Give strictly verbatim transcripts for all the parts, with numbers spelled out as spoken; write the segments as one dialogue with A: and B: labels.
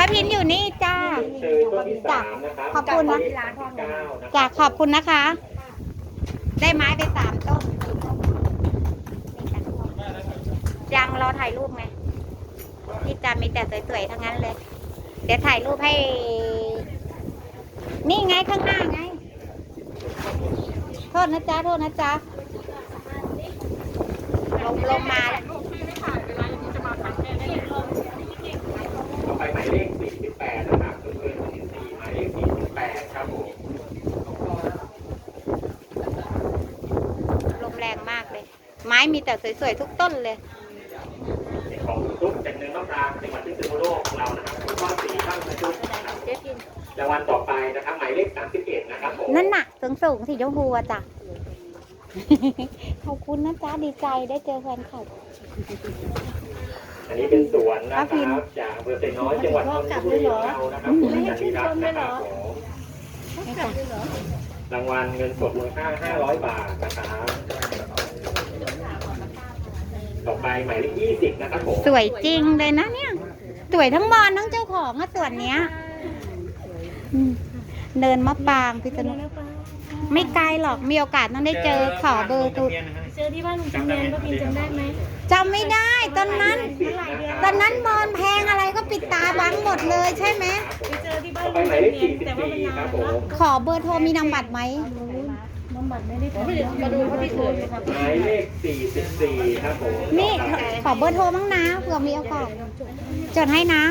A: ป้าพินอยู่นี่จ้าจ้าขอบคุณนะจ้าขอบคุณนะคะ ได้ไม้ไปสามต้นยังรอถ่ายรูปไงที่จะมีแต่สวยๆทั้งนั้นเลย เดี๋ยวถ่ายรูปให้ นี่ไงข้างหน้าไง โทษนะจ๊ะโทษนะจ๊ะลงลงมาแล้ว
B: ต่อไปหมายเลขสี่สิบแปดนะครับคือเป็นสี่หมายเลขสี่สิบแปดครับผม
A: ลมแรงมากเลย ไม้มีแต่สวยๆทุกต้นเลย
B: ของทุกจากเนื้อมะพร้าวจังหวัดพิษณุโลกของเรานะครับคุณพ่อสีข้างกระจุกรางวัลต่อไปนะครับหมายเลขสามสิบเอ็ดนะครับผม
A: นั่นน่ะสูงสูงสีชมพูอะจ้ะ ขอบคุณนะจ๊ะดีใจได้เจอแฟนคลับ
B: อันนี้เป็นสวนนะครับจากอำเภอไซน้อยจังหวัดนนทบุรีของเรานะครับคุณจันทิรัตน์นะครับผมรางวัลเงินสดมูลค่าห้าร้อยบาทนะครับต่อไปหมายเลขยี่สิบนะครับผม
A: สวยจริงเลยนะเนี่ยสวยทั้งมอนทั้งเจ้าของอะส่วนเนี้ยเนินมะปรางพิษณุไม่ไกลหรอกมีโอกาสต้องได้เจอขอเบอร์ตุ
C: เจอที่บ้านลุงจำเนียนป้าพินจำได้ไหม
A: จำไม่ได้ตอนนั้นตอนนั้นมอนแพงอะไรก็ปิดตาบังหมดเลยใช่ไหม
C: ไปเจอที่บ้านลุงจำเนียนแต่ว่ามันนานแล้ว
A: ขอเบอร์โทรมีนามบัตรไหม
C: นามบัตรไม่ได้มาดูเขาที่อื่น
B: หมายเลขสี่สิบสี่ครับผม
A: นี่ขอเบอร์โทรบ้างนะเผื่อมีโอกาสจดให้นะ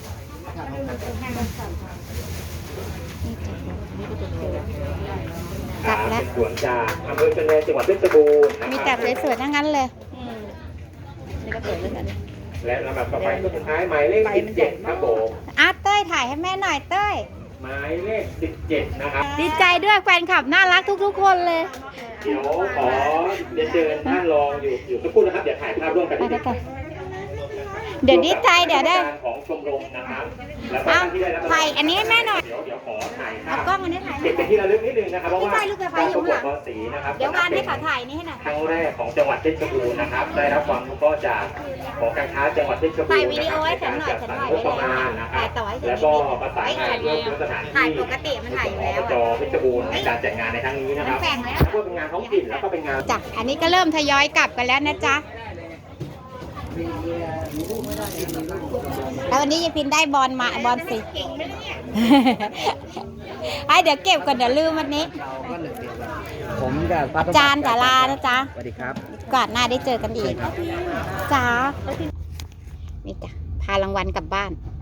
B: กลับแล้วสวนจากอำเภอชนแดนจังหวัดเพชรบูรณ์
A: มีแต่สวยๆทั้งนั้นเลย
C: นี่ก็สวยเหมือนกัน
B: และลำดับต่อไปก็สุดท้ายหมายเลขสิบเจ็ดครับผม
A: อาเต้ยถ่ายให้แม่หน่อยเต้ย
B: หมายเลขสิบเจ็ดนะครับ
A: ดีใจด้วยแฟนคลับน่ารักทุกๆคนเลย
B: เดี๋ยวขอเรียนเชิญท่านรองอยู่อยู่สักครู่นะครับเดี๋ยวถ่ายภาพร่วมกันนิดนึง
A: เดี๋ยวดีใจเดี๋ยวได้
B: ของชมรมนะครับ
A: แล้วก็ที่ได้รับถ่ายอันนี้ให้แม่หน่อย
B: เดี๋ยวเดี๋ยวขอถ่ายภาพ
A: เอากล้องอันนี้ถ่าย
B: เก็บเป็นที่ระลึกนิดนึงนะครับเพราะว่า
A: ลูกกระพายอยู่ข้างหลังเดี๋ยววานให้เขาถ่ายนี่ให้หน่อย
B: ครั้งแรกของจังหวัดเพชรบูรณ์นะครับได้รับความรู้ก็จากของการค้าจังหวัดเพชรบูรณ์
A: ถ่ายวิดีโอให้ฉันหน่อยฉันถ่ายไม่ได้ถ่ายต่อให้ฉัน
B: แล้วก็ประสานงานร่วมสถานที่
A: ถ่ายปกติมันถ่ายอยู่แล้ว
B: จอเพชรบูรณ์ในการจัดงานในครั้งนี้นะครับพวกเป็นงานท้องถิ่นแล้วก็เป็นงาน
A: จ้ะอันนี้ก็เริ่มทยอยกลับกันแล้วนะจ๊ะแล้ววันนี้ยายพินได้บอลมาบอลสิไอเดี๋ยวเก็บก่อนเดี๋ยวลืมวันนี้
D: ผมกับ
A: อาจารย์จ๋าลานะจ๊ะ
D: สวัสดีครับ
A: ก่อนหน้าได้เจอกันอีกจ้านี่จ้ะพารางวัลกลับบ้าน